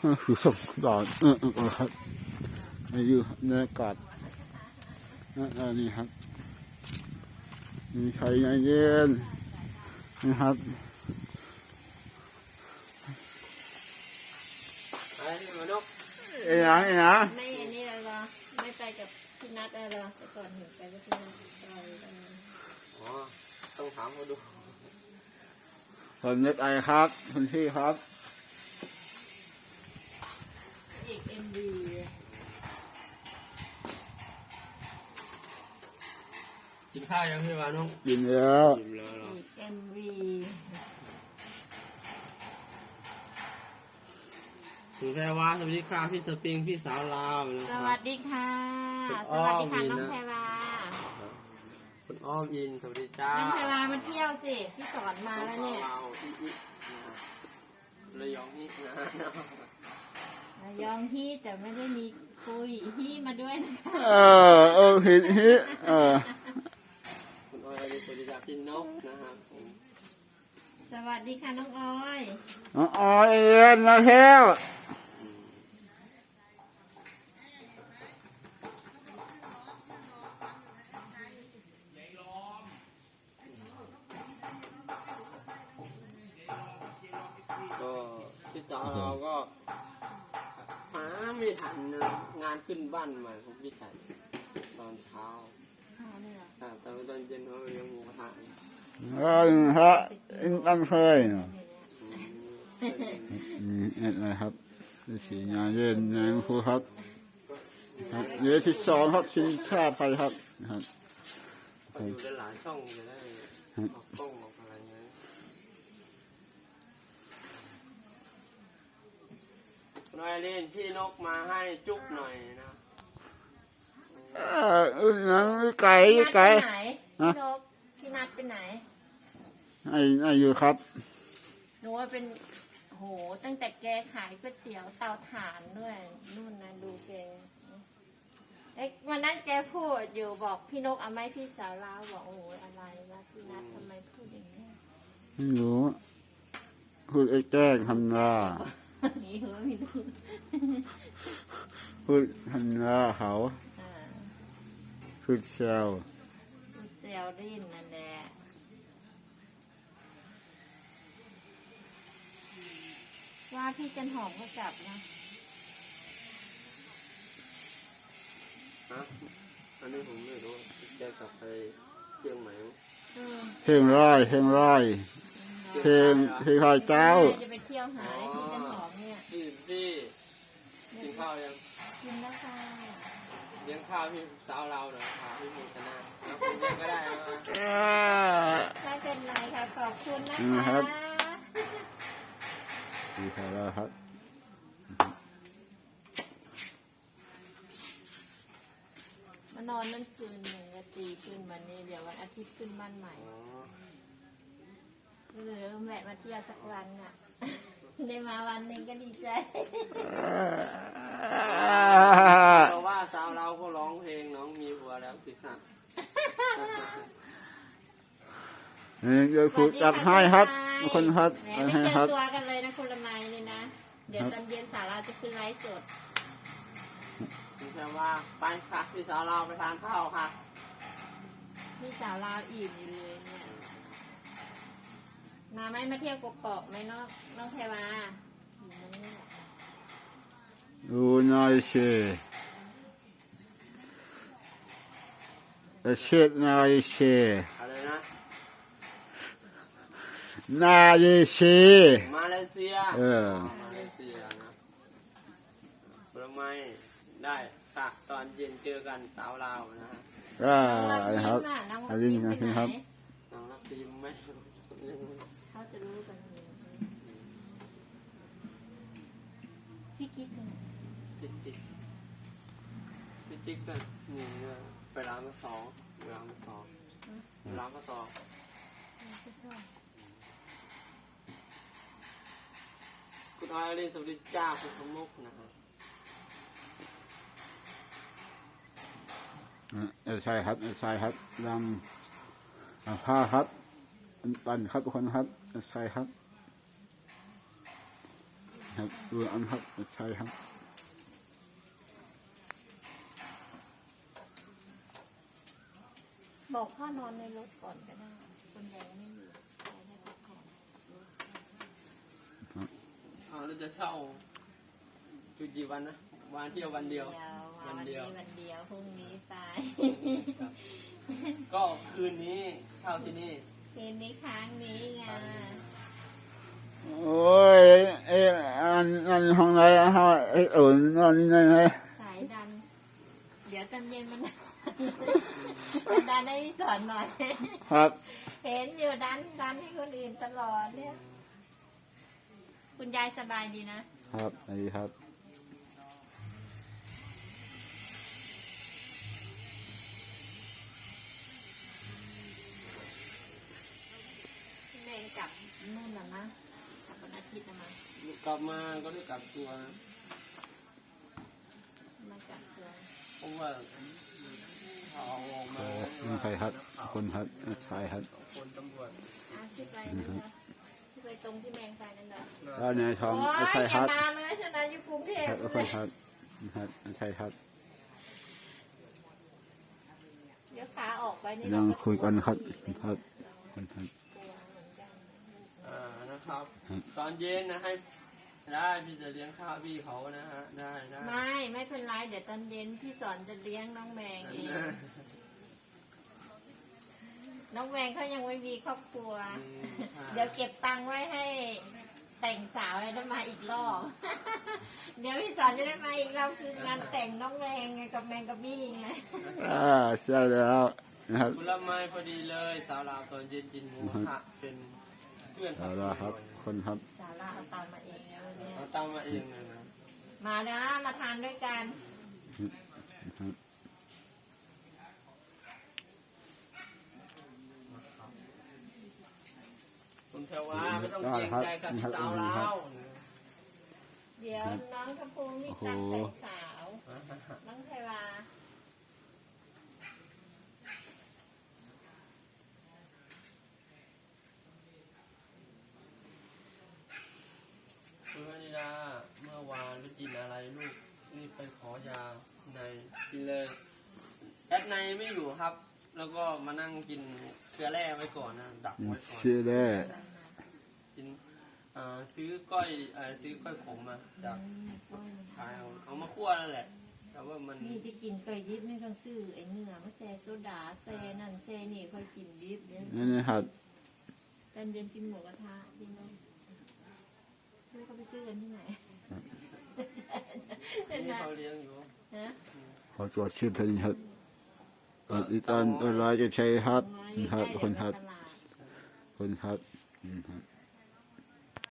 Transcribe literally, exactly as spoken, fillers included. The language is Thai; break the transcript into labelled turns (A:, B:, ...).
A: คือส่งดอกเออเออครับนี่อยู่ในอากาศนั่นนี่ครับมีไข่เย็นนะครับ
B: ไอ้มานก
A: เอ้ยนะเอ้ยนะ
C: ไม่อันนี้เลยเหรอไม่ไปกับพี่นัทเลยเหรอแต่ก่อนเห็นไปกับพี่นัทไปกัน
B: อ๋อต้องถามเขาดู
A: คนเน็ตไอครับคนที่ครับ
C: อีกเอ็มดี
B: กินข้าวยังพี่วานง
A: กินแล้ว
B: กินแล้วเหรอ
C: อีกเอ็มวี
B: ถึงแพรวาสวัสดีค่ะพี่สปริงพี่สาวลาวนะ
C: ส
B: ครับ
C: วัสดีค่ะ
B: คุณ
C: ส
B: อ้อ
C: วัส
B: ม
C: ดีค่ะ
B: มี
C: น้อง
B: นะ
C: แพรวา
B: คุณอ้อมอินสวัสดีจ้า
C: น้องแพรวามาเที่ยวสิพี่สอนมาแล้วเนี่ย
B: เราอีอีนะครับระยองนี่นะ
C: ระยองที่แต่ไม่ได้มีคุยที่มาด้วยนะคะ
A: เออเออเห็นฮิเออ
B: คุณอ้อยอดีสวัสดีจ้าพี่นกนะครับผม
C: สวัสดีค่ะน้องออย
A: น้องออยเอ็นมาแล้ว
B: ก็พี่สาวเราก็หาไม่ทันนะงานขึ้นบ้านใหม่ของพี่ชัยตอนเช้า
C: อ๋อเนี่ยเหรอ
B: แต่ตอนตอนเย็นเขาเลี้ยงหมูกระทะ
A: เออฮะอินตั้งเคยเนาะ
B: อืม
A: นี่เอ็ดอะไรครับสีงานเย็นงานครูครับเดี๋ยวที่สองครับชิงชาติไทยครับนะครับ
B: ก็อยู่ได้หลายช่องจะได้ออกกล้องออกอะไรเงี้ยหน่อยเล่นพี่นกมาให้จุ๊บหน่อยนะ
A: เออเออนังไก่
C: พี่นัท
A: ไก่
C: ไปไหนพี่นกพี่นัทไปไหน
A: ไอ้ไอ้อยู่ครับ
C: หนูว่าเป็นโหตั้งแต่แกขายก๋วยเตี๋ยวเตาถ่านด้วยนู่นนะดูแกเอ๊ะวันนั้นแกพูดอยู่บอกพี่นกเอาไหมพี่สาวลาวบอกโอ้โหอะไรวะพี่นัททำไมพูดอย่างนี้
A: ไม่รู้พูดไอ้แกล้งทำหน้า
C: นี่หัวมีดู
A: พูดทำหน้าเขา
C: อ่า
A: พูดเซล
C: พูดเซลลินนั่นแหละว่าพี่จันหอมก็กลับนะ
B: ฮะอันนี้ผมไม่รู้แกกลับไปเชียงใหม่
C: เออ
A: เพลงร้อยเพลงร้อยเพลงเพลงร้อยเจ้า
C: จะไปเที่ยวหาไอ้พี่จันหอมเนี่ย
B: พี่พี่กินข้าวยัง
C: กินแล้วค่ะ
B: เลี้ยงข้าวพี่สาวเราหน่อยค่ะพี่มูชนะแล้วคุณเลี้ยงก็ได้นะ
C: ไม่เป็นไรค่ะขอบคุณนะ
A: นะครั
C: คะ
A: บ ดีครับแล้วครับ
C: มานอนนั่นคืนหนึ่งก็ตีขึ้นวันนี้เดี๋ยววันอาทิตย์ขึ้นบ้านใหม่
B: อ๋อ
C: ก็เลยแวะมาเที่ยวสักวันน่ะ ได้มาวันหนึ่งก็ดีใจ
B: เพราะว่าสาวเราก็ร้องเพลงน้องมีผัวแล้วสิค่ะ
A: นี่เดี๋ยวครูจัดให้ครับคนครับ
C: แหม
A: จัด
C: ไม่
A: ให้
C: เจ
A: ค
C: อ
A: รับ
C: ตัวกันเลยนะคนละไม้เลยนะ เดี๋ยวตอนเย็นสาวเราจะขึ้นไลฟ์สด
B: แค่ว่าไปค่ะพี่สาวเราไปทานข้าวค่ะ
C: พี่สาวลาวอิ่มอยู่เลยเนี่ย มาไหมมาเที่ยวกกอกไหมน้องน้องแพรวาอยู่นั่นเนี่ย
A: ดูหน่อยสิเช็ดหน่อยสิ
B: อะไรนะ
A: หน้าดีสิ
B: มาเลเซีย
A: เออ
B: มาเลเซียนะผลไม้ได้ค่ะตอนเย็นเจอกันสาวเรานะฮะ
A: ก็
C: น้องรัก
A: นะค
C: ยิ้
A: รับ
C: มน่ะน้อง
A: อั
C: รั
A: น
C: ก
A: นี้
C: ยิ้ม
A: นะ
C: ไปไห
A: ครับ
C: น
B: น้องรักทีมไหม
C: เขาจะรู้กันอยู่พี่กิ๊กเป็นไง
B: พิจิกพิจิกก็นี่เนี่ยไปร้านมาสองร้านมาสองร้านมาสอง
C: พี่ส้ม
B: คุณออยเรียนสวัสดีจ้าคุณขมุกนะฮะ
A: เออใช่ครับเออใช่ครับลำผ้าครับปันครับทุกคนครับเออใช่ครับครับดูอันครับใช่ครับ
C: บอกพ่อนอนในรถก่อนก็ได้คนแดงไม่อยู่ใช้ได้พักผ่อน
B: เอาเราจะเช่าจุดกี่วันนะวันเที่ยววันเดียว
C: วันเดียววันเดียวพรุ่งนี้ไป
B: ครับก็คืนนี้เช่าที่นี่
C: คืนนี้ค้างนี้ไง
A: โอ้ยเอ้อันอันห้องไหนห้องเอ้เออนั่นนี่ไง
C: สายดัน เดี๋ยวตอนเย็นมัน มันดันให้สอนหน่อย
A: ครับ
C: เห็นอยู่ดันดันให้คนอื่นตลอดเนี่ย คุณยายสบายดีนะครับ
A: นี่ครับ
C: พี่เมย์กลับนู่นน่ะนะกลับวันอาทิตย์นะมาก
B: ลับมาก็ได้กลับตัวนะ
C: มากลับตัว
B: เพราะว่าเขาเอาออกมา
A: โอ้นี่ใครครับคนครับใช่ครับ
B: คนตำรวจ
C: อ่ะที่ไปนั่นนะที่ไปตรงที่แมงไปนั่นนะ
A: เจ้าในทอง
C: โอ้ย
A: ใช่
C: อ
A: ค
C: ย่า
A: รับ
C: มาเลยฉันนะอยู่กรุงเทพ
A: ครับคนครับครับใช่ครับ
C: เดี๋ยวขาออกไปนี่
A: ยังคุยกันครับครับคนครับ
C: กลัวเหมือนกัน
B: อ่านะครับ
A: ครับ
B: ตอนเย็นนะให้ได้พี่จะเลี้ยงข้าวพี่เขานะฮะได้ได้
C: ไม่ไม่เป็นไรเดี๋ยวตอนเย็นพี่สอนจะเลี้ยงน้องแมงเอง น้องแมงเขายังไม่มีครอบครัว เดี๋ยวเก็บตังค์ไว้ให้แต่งสาวเลยได้มาอีกรอบ เดี๋ยวพี่สอนจะได้มาอีกรอบคืองานแต่งน้องแมงไงกับแมงกับบี้ไง
A: อ่าใช่แล้วนะครับ
B: ผลไม้พอดีเลยสาวลาวตอนเย็นกินหมูกระทะเป็นเพื่อน
A: เอาละครับคนครับ
C: สาระเอาตามมาเองนะวันนี้
B: เราตั้งมาเองเลยนะ
C: มานะมาทานด้วยกัน
A: ครับ
B: คุณเทวาไม่ต้องเกรงใจกับพี่สาวลาว
C: เดี๋ยวน้องกระพูมีตัดแต่งสาว น้องเทวา
B: คุณวนิดาเมื่อวานไปกินอะไรลูกรีบไปขอยาในกินเลยแอดในไม่อยู่ครับ แล้วก็มานั่งกินเกลือแร่ไว้ก่อนนะดักไว้ก่อน
A: ชื่อแร่
B: กินอ่าซื้อก้อยเอ่อซื้อก้อยขมมาจากขายเอาเอามาคั่วนั่นแหละ แต่ว่ามัน
C: นี่จะกินเคยดิบไม่ต้องซื้อไอ้เนื้อมาแซ่โซดาแซ่นั่นแซ่นี่ค่อยกินดิบเนี่ย
A: นี่นะครับ
C: ตอนเย็นกินหมูกระทะดีไหมไม่เขาไปซื้อกันที่ไหน
B: นี่เขาเลี้ยงอยู่
C: ฮะ
A: ขอตรวจชื่อเพลงครับอีตอนตัวร้ายจะใช้ครับครับคนครับ
C: ตลาด
A: คนครับอืมครับ